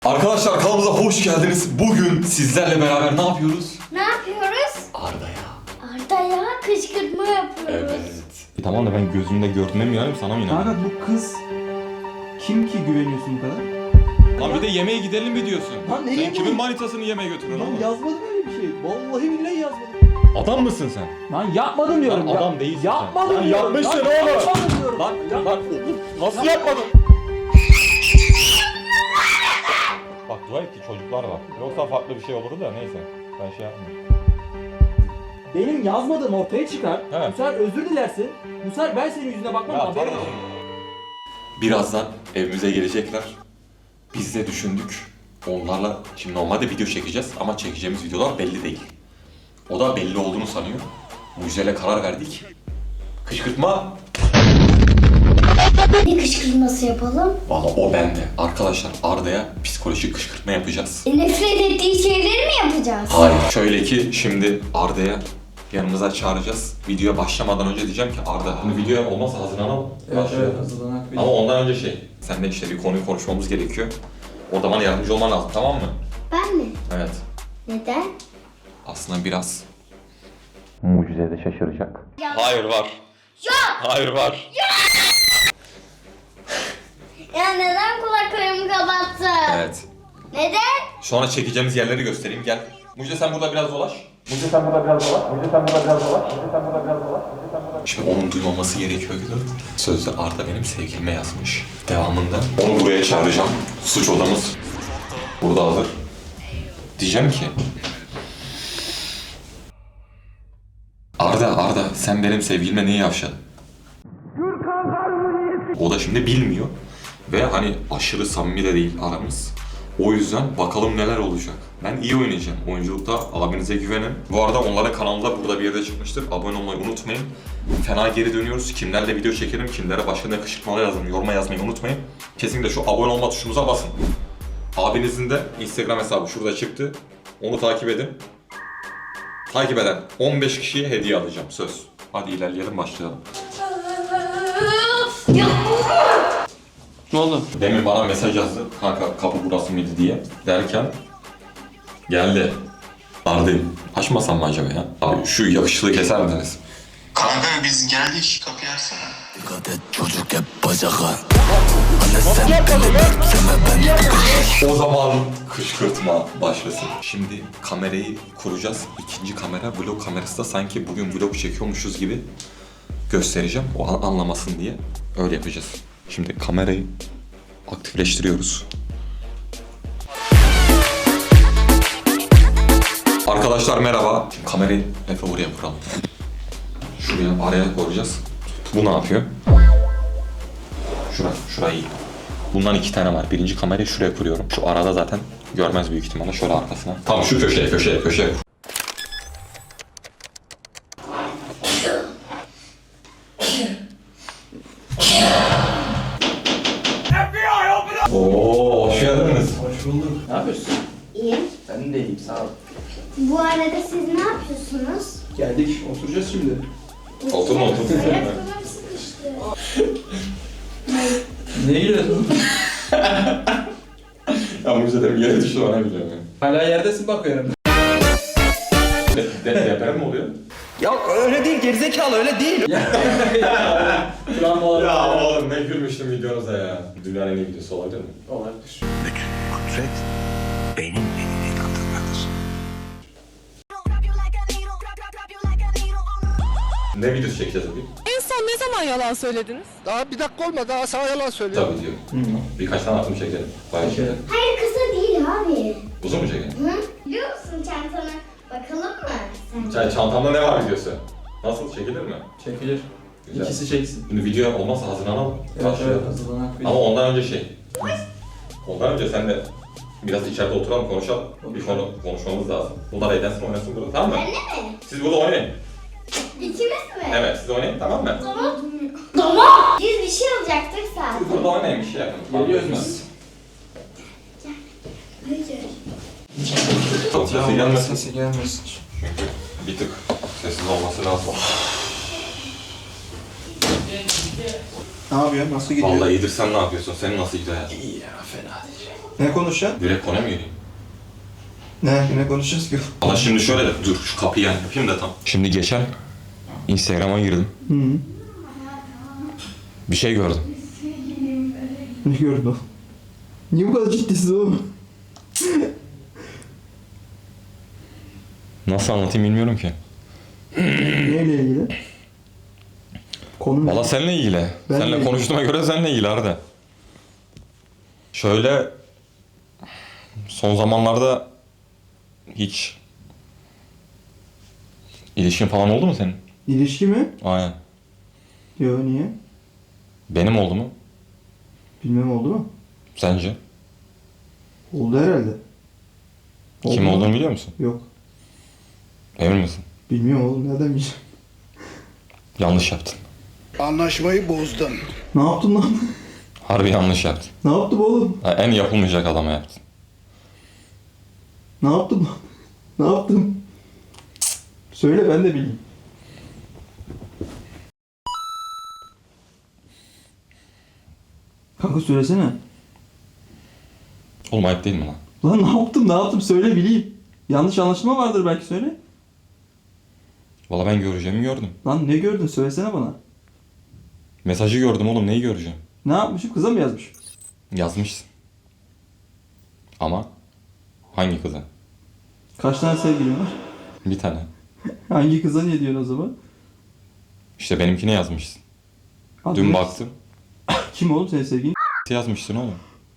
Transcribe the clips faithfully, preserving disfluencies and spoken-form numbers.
Arkadaşlar kanalımıza hoş geldiniz. Bugün sizlerle beraber ne yapıyoruz? Ne yapıyoruz? Arda'ya. Arda'ya kışkırtma yapıyoruz. Evet. E tamam da ben gözümde gördüğüme mi inanayım, sana mı inanayım? Kanka bu kız kim ki güveniyorsun bu kadar? Lan bir de yemeğe gidelim mi diyorsun? Lan ne Sen yemeği? kimin manitasını yemeğe götürüyorsun Lan oğlum? yazmadım öyle bir şey. Vallahi billahi yazmadım. Adam mısın sen? Lan yapmadım diyorum. Lan ya. adam değilsin Yapmadım sen. Lan diyorum. yapmışsın Lan oğlum. Yapmadım diyorum. Lan Ya- lan nasıl yapmadın? Bak dua et ki çocuklar var. Yoksa farklı bir şey olurdu da neyse. Ben şey yapmayayım. Benim yazmadığım ortaya çıkar. He. Bu sefer özür dilersin. Bu sefer ben senin yüzüne bakmam, Ya, haberin tamam. olsun. Birazdan evimize gelecekler. Biz de düşündük. Onlarla şimdi normalde video çekeceğiz ama çekeceğimiz videolar belli değil. O da belli olduğunu sanıyor. Bu yüzden karar verdik. Kışkırtma. Ne kışkırtması yapalım? Valla o bende. Arkadaşlar Arda'ya psikolojik kışkırtma yapacağız. E, nefret ettiği şeyleri mi yapacağız? Hayır. Şöyle ki şimdi Arda'ya yanımıza çağıracağız. Videoya başlamadan önce diyeceğim ki Arda bunu videoya olmazsa hazırlanalım. Başlayalım. hazırlanak. Ama ondan önce şey, seninle işte bir konuyu konuşmamız gerekiyor. Orada bana yardımcı olman lazım, tamam mı? Ben mi? Evet. Neden? Aslında biraz mucizede şaşıracak. Ya. Hayır var. Yok! Hayır var. Ya neden kulaklarımı kapattın? Evet. Neden? Sonra çekeceğimiz yerleri göstereyim, gel. Mucize sen burada biraz dolaş. Mucize sen burada biraz dolaş. Mucize sen burada biraz dolaş. Mucize sen burada biraz dolaş. Mucize sen burada... Şimdi onun duymaması gerekiyor Gülür. Sözde Arda benim sevgilime yazmış. Devamında onu buraya çağıracağım. Suç odamız burada hazır. Diyeceğim ki... Arda, Arda sen benim sevgilime niye yavşadın? O da şimdi bilmiyor. Ve hani aşırı samimi de değil aramız. O yüzden bakalım neler olacak. Ben iyi oynayacağım. Oyunculukta abinize güvenin. Bu arada onların kanalında burada bir yerde çıkmıştır. Abone olmayı unutmayın. Fena geri dönüyoruz. Kimlerle video çekelim, kimlere başka ne kışkırtmalar yazın, yoruma yazmayı unutmayın. Kesinlikle şu abone olma tuşumuza basın. Abinizin de Instagram hesabı şurada çıktı. Onu takip edin. Takip eden on beş kişiye hediye alacağım, söz. Hadi ilerleyelim, başlayalım. Ya. Ne oldu? Demin bana mesaj yazdı, kanka kapı burası mıydı diye. Derken geldi. Arda'yım. Açmasam mı acaba ya? Abi şu yakışıklı keser misiniz? Kanka biz geldik, kapıyı açsana. Dikkat et çocuk hep bacaka. Anne sen beni bekleme ben. O zaman kışkırtma başlasın. Şimdi kamerayı kuracağız. İkinci kamera vlog kamerası da sanki bugün vlog çekiyormuşuz gibi göstereceğim. O an anlamasın diye öyle yapacağız. Şimdi kamerayı aktifleştiriyoruz. Arkadaşlar merhaba. Şimdi kamerayı Efe oraya kuralım. Şuraya araya koyacağız. Bu ne yapıyor? Şura, şurayı iyi. Bundan iki tane var. Birinci kamerayı şuraya kuruyorum. Şu arada zaten görmez büyük ihtimalle. Şöyle arkasına. Tamam şu köşeye, köşeye, köşeye kur. Oo, hoş geldiniz. Hoş bulduk. Ne yapıyorsun? İyi. Ben de iyiyim, sağ ol. Bu arada siz ne yapıyorsunuz? Geldik, oturacağız şimdi. Oturma, oturma. Ayakkabım sıkıştı. Ne gülüyorsun? Ya Mucize dedim yere düştü bana biliyorum yani. Hala yerdesin bakıyorum. De, de, deprem mi oluyor? Ya öyle değil, gerizekalı öyle değil. Travmalar. Ya oğlum ne gülmüştüm videonuza ya. Dünyanın en iyi videosu olabilir mi? Olabilir. Kudret benim elimin altındadır. Ne videosu çekeceğiz bugün? En son ne zaman yalan söylediniz? Daha bir dakika olmadı, daha sana yalan söylüyorum. Tabii diyor. Birkaç tane atım çekelim. Bayağı şey. Hayır kısa değil abi. Uzun mu çekelim? Hı? Biliyor musun çantana? Bakalım mı sen? Çay çantamda ne var videosu? Nasıl çekilir mi? Çekilir. Güzel. İkisi çeksin. Şimdi video olmazsa hazırlanalım. Evet Başlayalım. evet, hazırlanak. Ama ondan önce şey. Ondan önce sen de biraz içeride oturalım, konuşalım. Bir konu konuşmamız lazım. Bunlar eğlensin, oynasın burada, tamam mı? Benle mi? Siz burada oynayın. İkimiz mi? Evet, siz oynayın, tamam mı? Tamam. Tamam. Biz bir şey alacaktık Siz zaten. burada oynayın, bir şey yapın. Geliyoruz biz. Hayır. Sesi gelmesin. Sesi gelmesin. Çünkü bir tık sessiz olması lazım. Ne yapıyorsun? Nasıl gidiyor? Vallahi iyidir, sen ne yapıyorsun? Senin nasıl gidiyor hayatın? İyi ya, fena değil. Ne konuşacaksın? Direkt konuya mı gireyim? Ne? Ne konuşacağız ki? Valla şimdi şöyle de dur şu kapıyı yani yapayım da tam. Şimdi geçen Instagram'a girdim. Hı -hı. Bir şey gördüm. Ne gördün o? Niye bu kadar ciddisin oğlum? Nasıl anlatayım bilmiyorum ki. Neyle ilgili? Konu ne? Valla seninle ilgili. Ben seninle de- konuştuğuma göre seninle ilgili Arda. Şöyle son zamanlarda hiç ilişkin falan oldu mu senin? İlişki mi? Aynen. Yo, niye? Benim oldu mu? Bilmem oldu mu? Sence? Oldu herhalde. Oldu Kim mu? olduğunu biliyor musun? Yok. Emin misin? Bilmiyorum oğlum, nereden bileceğim? Yanlış yaptın. Anlaşmayı bozdun. Ne yaptın lan? Harbi yanlış yaptın. Ne yaptım oğlum? Ha, en yapılmayacak adama yaptın. Ne yaptım lan? Ne yaptım? Söyle, ben de bileyim. Kanka söylesene. Oğlum ayıp değil mi lan? Lan ne yaptım, ne yaptım, söyle bileyim. Yanlış anlaşılma vardır belki, söyle. Valla ben göreceğimi gördüm. Lan ne gördün, söylesene bana. Mesajı gördüm oğlum, neyi göreceğim? Ne yapmışım, kıza mı yazmış? Yazmışsın. Ama hangi kıza? Kaç tane sevgilin var? Bir tane. Hangi kıza niye diyorsun o zaman? İşte benimkine yazmışsın. Adı Dün ne? baktım. Kim oğlum senin sevgilin? Yazmışsın oğlum.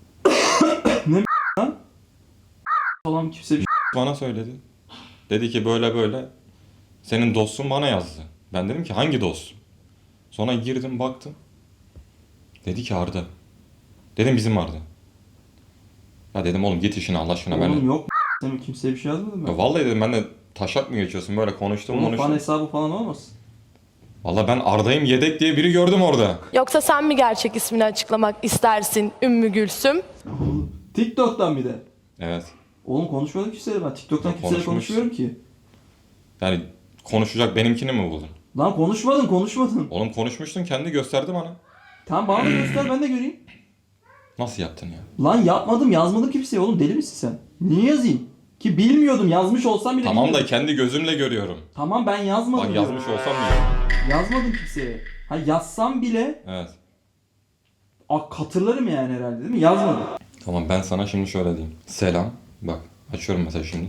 Falan kimse bir şey. Bana söyledi. Dedi ki böyle böyle. Senin dostun bana yazdı. Ben dedim ki hangi dostum? Sonra girdim baktım. Dedi ki Arda. Dedim bizim Arda. Ya dedim oğlum git işine Allah aşkına. Ben Oğlum de... yok sen kimseye bir şey yazmadın Ya mı? vallahi dedim ben de taşak mı geçiyorsun böyle konuştum Oğlum fan konuştum. hesabı falan olmasın? Valla ben Arda'yım yedek diye biri gördüm orada. Yoksa sen mi gerçek ismini açıklamak istersin Ümmü Gülsüm? Oğlum, TikTok'tan bir de. Evet. Oğlum konuşmadım kimseyle ben. TikTok'tan Ya kimseyle konuşmuşsun. konuşmuyorum ki. Yani konuşacak benimkini mi buldun? Lan konuşmadın, konuşmadın. Oğlum konuşmuştun kendi gösterdi bana. Tamam, bana da göster, ben de göreyim. Nasıl yaptın ya? Lan yapmadım, yazmadım kimseye oğlum, deli misin sen? Niye yazayım? Ki bilmiyordum, yazmış olsam bile Tamam da bilmiyordum. kendi gözümle görüyorum. Tamam, ben yazmadım. Bak diyorum. yazmış olsam mı? Yazmadım kimseye. Ha yazsam bile Evet. a, katırlarım yani herhalde, değil mi? Yazmadım. Tamam ben sana şimdi şöyle diyeyim. Selam. Bak açıyorum mesela şimdi.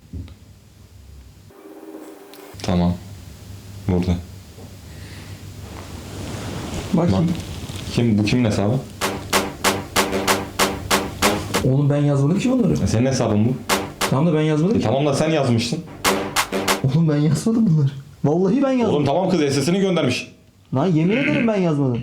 Tamam. Burada. Bak. Bak. Kim bu kimin hesabı? Oğlum ben yazmadım ki bunları. E, senin hesabın bu. Tamam da ben yazmadım E, ki. tamam da sen yazmıştın. Oğlum ben yazmadım bunları. Vallahi ben yazmadım. Oğlum tamam kız S S'ini göndermiş. Lan yemin ederim ben yazmadım.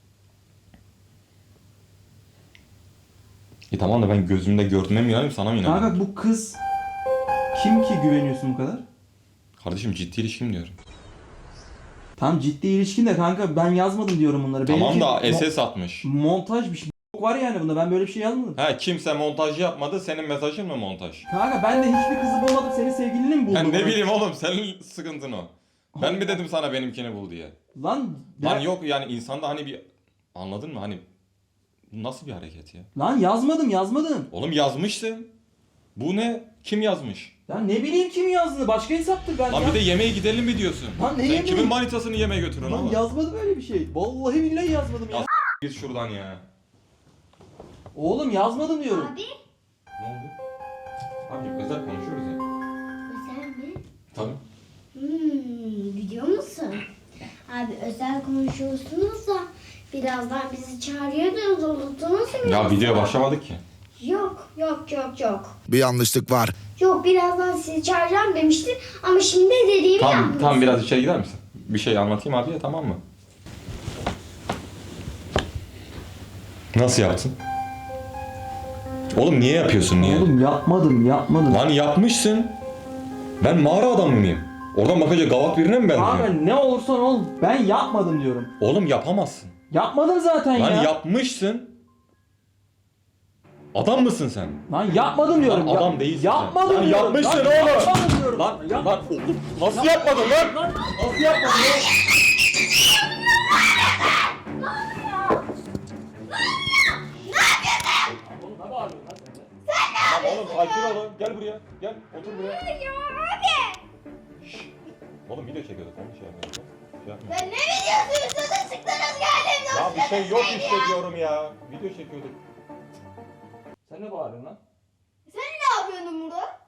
E tamam da ben gözümde gördüğüme mi inanayım sana mı inanayım? Kanka bu kız kim ki güveniyorsun bu kadar? Kardeşim ciddi ilişkim diyorum. Tam ciddi ilişkin de kanka ben yazmadım diyorum bunları. Tamam Benimki da mo- S S atmış. montaj bir şey var yani bunda, ben böyle bir şey yazmadım. Ha kimse montaj yapmadı, senin mesajın mı montaj? Kanka ben de hiçbir kızı bulmadım, senin sevgilini mi buldum? Ben ne bileyim oğlum, senin sıkıntın o. Ben mi dedim sana benimkini bul diye? Lan, Lan ben- yok yani insanda hani bir... Anladın mı hani... Bu nasıl bir hareket ya? Lan yazmadım yazmadım. Oğlum yazmışsın. Bu ne? Kim yazmış? Ya ne bileyim kim yazdığını, başka hesaptır ben. Lan yaz- bir de yemeğe gidelim mi diyorsun? Lan ne Sen yemeği? kimin manitasını yemeğe götürüyorsun Lan oğlum? yazmadım öyle bir şey. Vallahi billahi yazmadım ya. Ya Git şuradan ya. Oğlum yazmadım diyorum. Abi Ne oldu? Abi özel konuşuyoruz ya. özel mi? Tabii. Hmm, biliyor musun? Abi özel konuşuyorsunuz da birazdan bizi çağırıyordunuz, unuttunuz mu? Ya yoksa? video başlamadık ki. Yok yok yok yok. Bir yanlışlık var. Yok birazdan sizi çağıracağım demiştin ama şimdi dediğimi Tam yapmışsın. tam biraz içeri gider misin? Bir şey anlatayım abiye tamam mı? Nasıl yaptın? Oğlum niye yapıyorsun niye? Oğlum yapmadım yapmadım. Lan yapmışsın. Ben mağara adamı mıyım? Oradan bakınca gavak birine mi Kanka benziyorum? ne olursan ol, ben yapmadım diyorum. Oğlum yapamazsın. Yapmadım zaten Lan ya. yapmışsın. Adam mısın sen? Lan yapmadım diyorum. Lan Ya- adam değilsin sen. Yapmadım Lan diyorum. yapmışsın Lan oğlum. Yapmadım diyorum. Lan Yap- lan oğlum nasıl yapmadın lan? Lan Nasıl yapmadın lan? oğlum ne bağırıyorsun lan sen? yapıyorsun? Oğlum sakin olun. Gel buraya. Gel. Otur buraya. Ya abi. Oğlum video çekiyorduk. Onu şey yapmıyorduk. Şey yapmıyorduk. Ben ne videosu üstüne çıktınız geldim. Ya bir şey yok işte diyorum ya. Video çekiyorduk. Sen ne bağırıyorsun lan? Sen ne yapıyordun burada?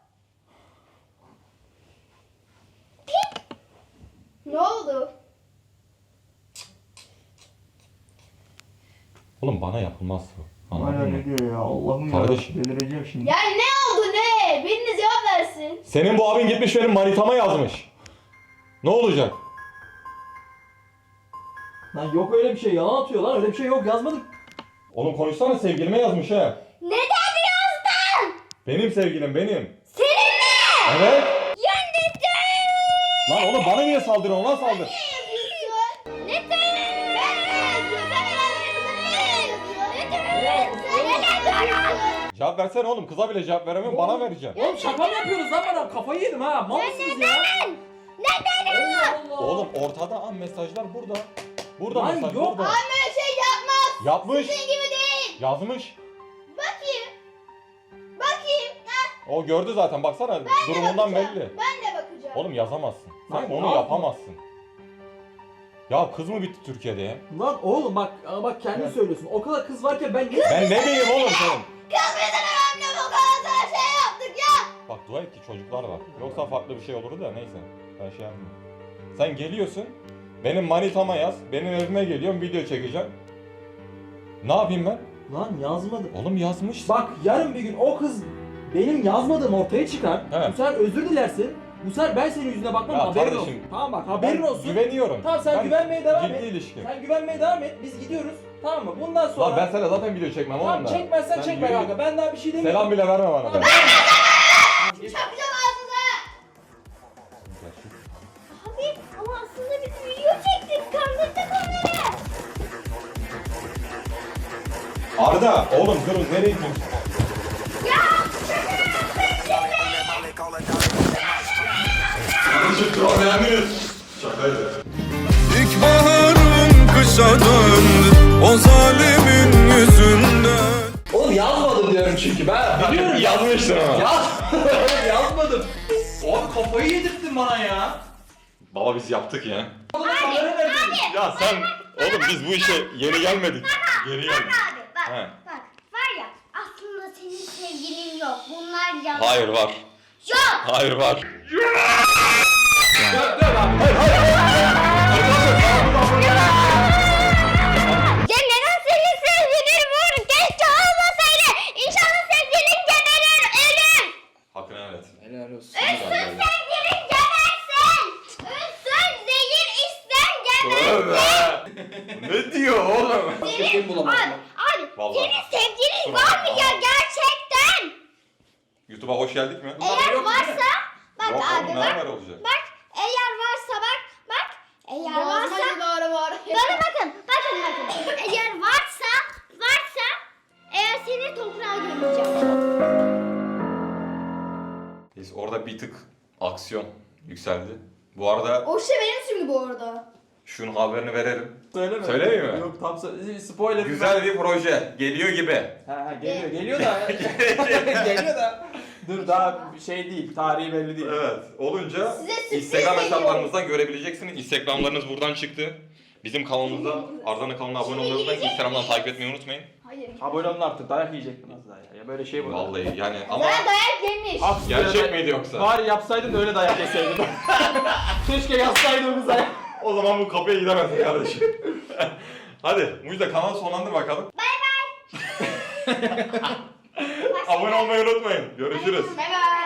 Ne oldu? Oğlum bana yapılmaz bu. Hala Anladın ne mı? diyor ya? Allah'ım ya. Kardeşim. Delireceğim şimdi. Ya ne oldu ne? Biriniz cevap versin. Senin bu abin gitmiş benim manitama yazmış. Ne olacak? Lan yok öyle bir şey. Yalan atıyor lan. Öyle bir şey yok. Yazmadık. Oğlum konuşsana sevgilime yazmış ha. Neden yazdın? Benim sevgilim benim. Senin mi? Evet. Ya neden? Lan oğlum bana niye saldırıyorsun? Ona saldır. Ne yazıyorsun? Neden? Ben ne yazıyorum? Sen ne yazıyorsun? Neden? Neden? Cevap versene oğlum. Kıza bile cevap veremiyorum. Bana vereceksin. Oğlum şaka mı yapıyoruz lan bana? Kafayı yedim ha. Mal mısınız ya? Neden? Allah Allah. Oğlum ortada an mesajlar burada. Burada Lan mesaj yok. burada. Abi böyle şey yapmaz. Yapmış. Sizin gibi değil. Yazmış. Bakayım. Bakayım. Ha, O gördü zaten baksana durumundan bakacağım. belli. Ben de bakacağım. Oğlum yazamazsın. Sen Lan onu yapma. yapamazsın. Ya kız mı bitti Türkiye'de ya? Lan oğlum bak ama bak kendin söylüyorsun. O kadar kız varken ben Ben ne bileyim oğlum senin? Kız bizim önemli bu kadar sana şey yaptık ya. Bak dua et ki çocuklar var. Yoksa farklı bir şey olurdu da neyse. Ben şey yapmayayım. Sen geliyorsun. Benim manitama yaz. Benim evime geliyorum video çekeceğim. Ne yapayım ben? Lan yazmadım. Oğlum yazmış. Bak yarın bir gün o kız benim yazmadığım ortaya çıkar. He. Bu sefer özür dilersin. Bu sefer ben senin yüzüne bakmam Ya haberin kardeşim, olsun. Tamam bak Ben haberin olsun. güveniyorum. Tamam sen Ben güvenmeye devam ciddi et. ilişki. Sen güvenmeye devam et. Biz gidiyoruz. Tamam mı? Bundan sonra... Lan ben sana zaten video çekmem Tamam oğlum da. çekmezsen Sen çekme yürü kanka. git. Ben daha bir şey demiyorum. Selam bile verme bana. Tamam. Çakacağım ağzına. Abi ama aslında biz video çektik. Kandırdık onları. Arda oğlum durun nereye gidiyorsun? Ya şaka yaptın Kardeşim trollendiniz. Şakaydı. İlkbaharım kışa döndü o zalimin yüzünden. Oğlum yazmadım diyorum çünkü ben biliyorum ya. Yazmıştın ama. Yazmadım. yazmadım. Abi kafayı yedirttin bana ya. Baba biz yaptık ya. Abi, abi. Ya sen oğlum biz bu işe yeni gelmedik. Geri geldik. Abi bak He. bak var ya aslında senin sevgilin yok. Bunlar yalan. Hayır var. Yok. Hayır var. Dur dur abi. Ya neden senin sevgilin var? Keşke olmasaydı. İnşallah sevgilin geberir ölür. Hakkını evet. Helal olsun. Ölsün sevgilin gebersin. Ölsün zehir içsen gebersin. Ne diyor oğlum? Senin bulamadım. Abi, abi Vallahi. senin sevgilin Kusura var mı bakma. ya gerçekten? YouTube'a hoş geldik mi? Eğer yok, varsa bak Yok abi oğlum ne bak. haber olacak? Bak eğer varsa bak bak eğer varsa Doğru var. bana bakın bakın bakın eğer varsa varsa eğer seni toprağa gömeceğim. Biz orada bir tık aksiyon yükseldi. Bu arada O şey benim şimdi bu arada. şunun haberini verelim. Söyleme. Söyleyeyim mi? Yok tam sö- spoiler. Güzel bir proje geliyor gibi. Ha, ha geliyor geliyor da. geliyor da. Dur daha şey değil. Tarihi belli değil. Evet. Olunca Size sürpriz Instagram geliyor. hesaplarımızdan görebileceksiniz. Instagramlarınız buradan çıktı. Bizim kanalımıza, Arda'nın kanalına abone olmayı unutmayın. Instagram'dan takip etmeyi unutmayın. Hayır. Abone olun artık. Dayak yiyecek mi nasıl dayak? Ya böyle şey bu. Vallahi yani ama Bana dayak yemiş. Ah, gerçek böyle- miydi yoksa? Bari yapsaydın da öyle dayak yeseydin. Keşke yazsaydın o kıza. O zaman bu kapıya gidemezsin kardeşim. Hadi Mucize kanal sonlandır bakalım. Bay bay. Abone olmayı unutmayın. Görüşürüz. Bay bay.